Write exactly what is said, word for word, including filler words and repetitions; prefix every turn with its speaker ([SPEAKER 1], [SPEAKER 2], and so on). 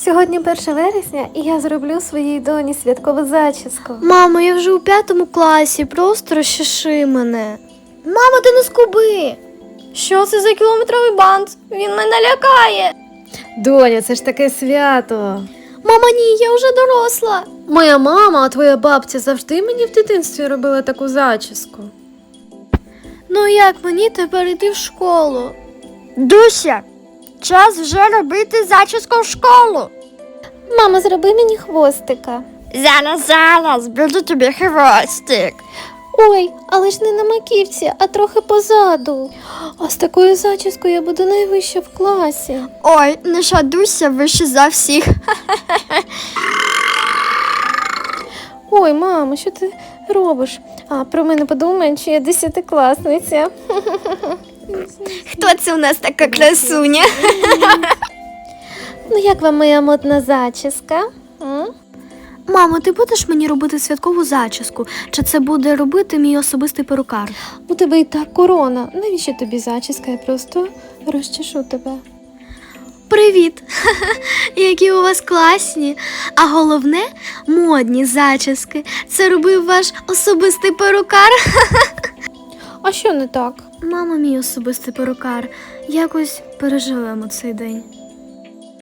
[SPEAKER 1] Сьогодні перше вересня, і я зроблю своїй доні святкову зачіску.
[SPEAKER 2] Мамо, я вже у п'ятому класі, просто розчеши мене. Мамо, ти не скуби. Що це за кілометровий бант? Він мене лякає.
[SPEAKER 1] Доня, це ж таке свято.
[SPEAKER 2] Мама, ні, я вже доросла.
[SPEAKER 1] Моя мама, а твоя бабця завжди мені в дитинстві робила таку зачіску.
[SPEAKER 2] Ну як мені тепер йти в школу?
[SPEAKER 3] Дуся, час вже робити зачіску в школу.
[SPEAKER 1] Мама, зроби мені хвостика.
[SPEAKER 3] Зараз, зараз, буду тобі хвостик.
[SPEAKER 1] Ой, але ж не на маківці, а трохи позаду. А з такою зачіскою я буду найвища в класі.
[SPEAKER 3] Ой, наша Дуся вище за всіх.
[SPEAKER 1] Ой, мамо, що ти робиш? А про мене подумають, що я десятикласниця.
[SPEAKER 2] Хто це у нас така красуня?
[SPEAKER 1] Ну як вам моя модна зачіска? М?
[SPEAKER 2] Мамо, ти будеш мені робити святкову зачіску? Чи це буде робити мій особистий перукар?
[SPEAKER 1] У тебе і так корона. Навіщо тобі зачіска? Я просто розчешу тебе.
[SPEAKER 2] Привіт! Які у вас класні, а головне – модні зачіски. Це робив ваш особистий перукар?
[SPEAKER 1] А що не так?
[SPEAKER 2] Мама, мій особистий перукар. Якось переживемо цей день.